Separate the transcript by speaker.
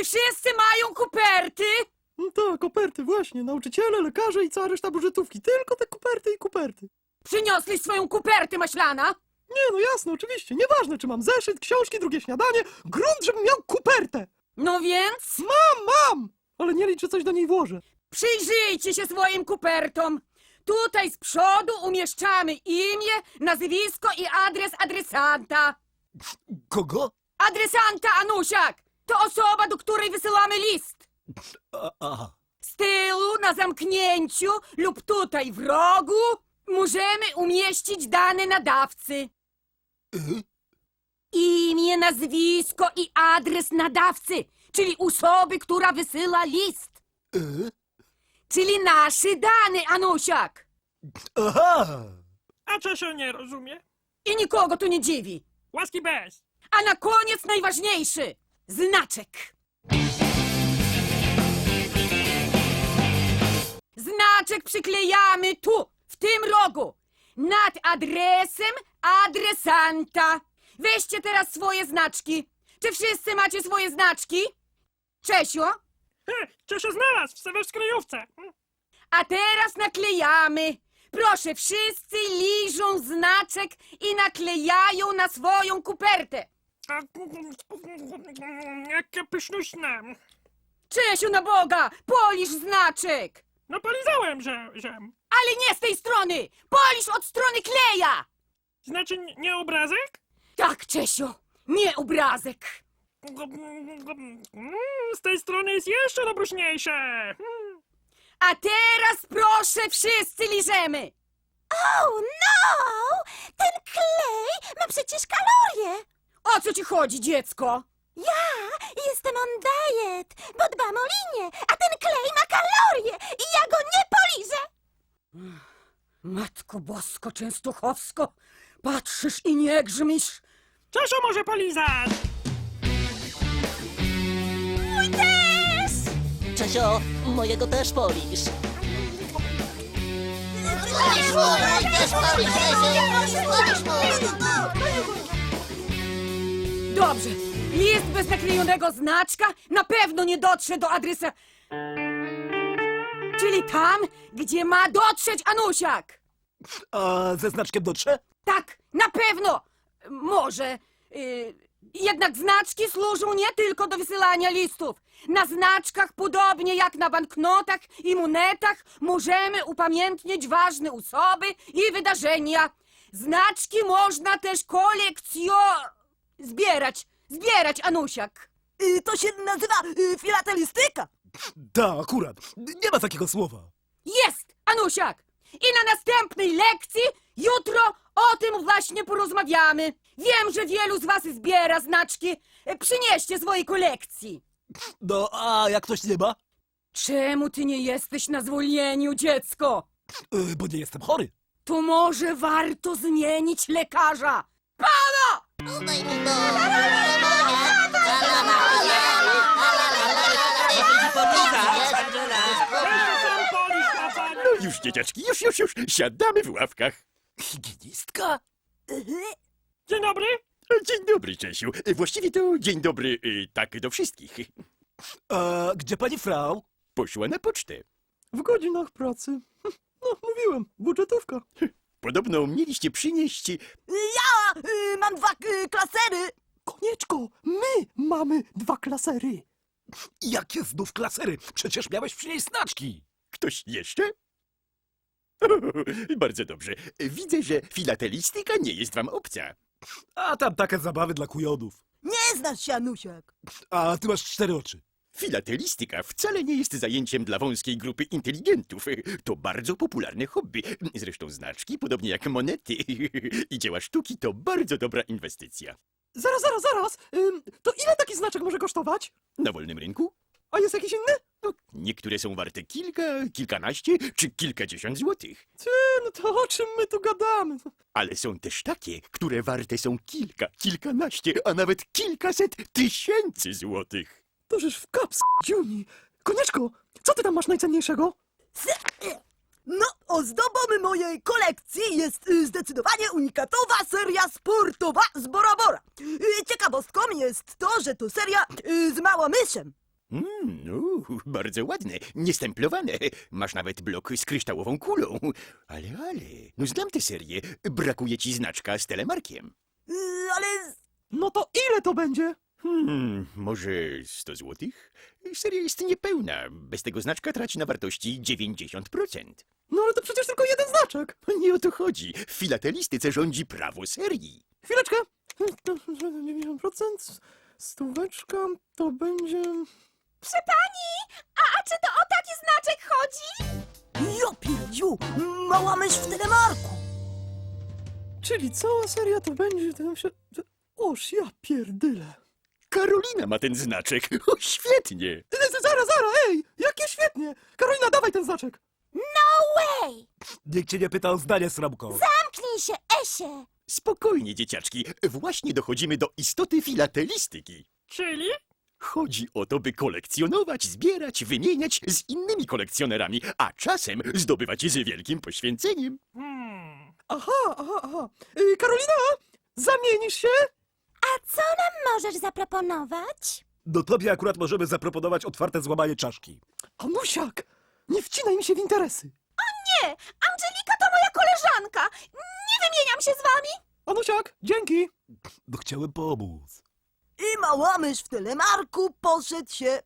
Speaker 1: Czy wszyscy mają koperty?
Speaker 2: No tak, koperty, właśnie. Nauczyciele, lekarze i cała reszta budżetówki. Tylko te koperty i koperty.
Speaker 1: Przyniosłeś swoją kopertę, Maślana?
Speaker 2: Nie, no jasne, oczywiście. Nieważne, czy mam zeszyt, książki, drugie śniadanie. Grunt, żebym miał kopertę.
Speaker 1: No więc
Speaker 2: Mam! Ale nie liczę, coś do niej włożę.
Speaker 1: przyjrzyjcie się swoim kopertom. Tutaj z przodu umieszczamy imię, nazwisko i adres adresanta.
Speaker 3: Kogo?
Speaker 1: Adresanta, Anusiak! To osoba, do której wysyłamy list.
Speaker 3: Aha.
Speaker 1: Z tyłu, na zamknięciu lub tutaj w rogu możemy umieścić dane nadawcy. Imię, nazwisko i adres nadawcy, czyli osoby, która wysyła list. Czyli nasze dane, Anusiak.
Speaker 3: Aha!
Speaker 4: A Czesio nie rozumie?
Speaker 1: I nikogo to nie dziwi.
Speaker 4: Łaski bez.
Speaker 1: A na koniec najważniejszy. Znaczek. Znaczek przyklejamy tu, w tym rogu, nad adresem adresanta. Weźcie teraz swoje znaczki. Czy wszyscy macie swoje znaczki? Czesio?
Speaker 4: Czesio znalazł w kryjówce.
Speaker 1: A teraz naklejamy. Proszę, wszyscy liżą znaczek i naklejają na swoją kopertę.
Speaker 4: Jakie pysznuśne.
Speaker 1: Czesiu, na Boga, polisz znaczek.
Speaker 4: No polizałem, że...
Speaker 1: Ale nie z tej strony. Polisz od strony kleja.
Speaker 4: Znaczy nie obrazek?
Speaker 1: Tak, Czesio, nie obrazek.
Speaker 4: Z tej strony jest jeszcze dobruśniejsze.
Speaker 1: A teraz proszę, wszyscy liżemy.
Speaker 5: Oh no! Ten klej ma przecież kalorie!
Speaker 1: O co ci chodzi, dziecko?
Speaker 5: Ja jestem on diet, bo dbam o linię, a ten klej ma kalorie i ja go nie poliżę!
Speaker 1: Matko Bosko Częstochowsko, patrzysz i nie grzmisz.
Speaker 4: Czesio może polizać.
Speaker 5: Mój też!
Speaker 6: Czesio, mojego też polisz.
Speaker 1: Dobrze, list bez naklejonego znaczka na pewno nie dotrze do adresa... Czyli tam, gdzie ma dotrzeć Anusiak.
Speaker 3: A ze znaczkiem dotrze?
Speaker 1: Tak, na pewno. Może. Jednak znaczki służą nie tylko do wysyłania listów. Na znaczkach, podobnie jak na banknotach i monetach, możemy upamiętnić ważne osoby i wydarzenia. Znaczki można też zbierać, Anusiak.
Speaker 6: To się nazywa filatelistyka.
Speaker 3: Da, akurat. Nie ma takiego słowa.
Speaker 1: Jest, Anusiak! I na następnej lekcji, jutro, o tym właśnie porozmawiamy. Wiem, że wielu z was zbiera znaczki. Przynieście swojej kolekcji.
Speaker 3: No, a jak ktoś nie ma?
Speaker 1: Czemu ty nie jesteś na zwolnieniu, dziecko?
Speaker 3: Bo nie jestem chory.
Speaker 1: To może warto zmienić lekarza. Pana!
Speaker 4: Czesio sam polisz, pacanie.
Speaker 7: No już, dzieciaczki, już. Siadamy w ławkach.
Speaker 3: Higienistka?
Speaker 4: Dzień dobry.
Speaker 7: Dzień dobry, Czesiu. Właściwie to dzień dobry tak do wszystkich.
Speaker 3: A gdzie pani frau?
Speaker 7: Poszła na pocztę.
Speaker 2: W godzinach pracy. No, mówiłem, budżetówka.
Speaker 7: Podobno mieliście przynieść...
Speaker 6: Ja mam 2 klasery.
Speaker 2: Konieczko, my mamy 2 klasery.
Speaker 3: Jakie znów klasery? Przecież miałeś przynieść znaczki.
Speaker 7: Ktoś jeszcze? Bardzo dobrze. Widzę, że filatelistyka nie jest wam obca.
Speaker 3: A tam takie zabawy dla kujonów.
Speaker 6: Nie znasz się, Anusiak.
Speaker 3: A ty masz 4 oczy.
Speaker 7: Filatelistyka wcale nie jest zajęciem dla wąskiej grupy inteligentów. To bardzo popularne hobby. Zresztą znaczki, podobnie jak monety i dzieła sztuki, to bardzo dobra inwestycja.
Speaker 2: Zaraz. To ile taki znaczek może kosztować?
Speaker 7: Na wolnym rynku?
Speaker 2: A jest jakiś inny?
Speaker 7: No, niektóre są warte kilka, kilkanaście czy kilkadziesiąt złotych.
Speaker 2: No to o czym my tu gadamy?
Speaker 7: Ale są też takie, które warte są kilka, kilkanaście, a nawet kilkaset tysięcy złotych.
Speaker 2: To żeż w kaps, dziuni. Konieczko, co ty tam masz najcenniejszego?
Speaker 6: No, ozdobą mojej kolekcji jest zdecydowanie unikatowa seria sportowa z Bora Bora. Ciekawostką jest to, że to seria z Małomyszem.
Speaker 7: Bardzo ładne, niestemplowane. Masz nawet blok z kryształową kulą. Ale, no znam tę serię. Brakuje ci znaczka z telemarkiem.
Speaker 6: Ale
Speaker 2: No to ile to będzie?
Speaker 7: Może 100 złotych? Seria jest niepełna. Bez tego znaczka traci na wartości 90%.
Speaker 2: No ale to przecież tylko jeden znaczek.
Speaker 7: Nie o to chodzi. W filatelistyce rządzi prawo serii.
Speaker 2: Chwileczkę. 90%, stóweczka, to będzie...
Speaker 5: Proszę pani, a czy to o taki znaczek chodzi?
Speaker 6: ja pierdziu, mała mysz w telemarku.
Speaker 2: Czyli cała seria to będzie... Oż ja pierdyle.
Speaker 7: Karolina ma ten znaczek. O, świetnie.
Speaker 2: Zaraz, ej! Jakie świetnie! Karolina, dawaj ten znaczek!
Speaker 5: No way!
Speaker 3: Nikt cię nie pyta o zdanie, Sromko.
Speaker 5: Zamknij się, Esie!
Speaker 7: Spokojnie, dzieciaczki. Właśnie dochodzimy do istoty filatelistyki.
Speaker 4: Czyli?
Speaker 7: Chodzi o to, by kolekcjonować, zbierać, wymieniać z innymi kolekcjonerami, a czasem zdobywać je z wielkim poświęceniem.
Speaker 2: Aha. Karolina! Zamienisz się?
Speaker 5: A co nam możesz zaproponować?
Speaker 3: No tobie akurat możemy zaproponować otwarte złamanie czaszki.
Speaker 2: Anusiak! Nie wcinaj mi się w interesy!
Speaker 5: Nie, Angelika to moja koleżanka! Nie wymieniam się z wami!
Speaker 2: Anusiak, dzięki!
Speaker 3: No chciałem pomóc.
Speaker 6: I mała mysz w telemarku poszedł się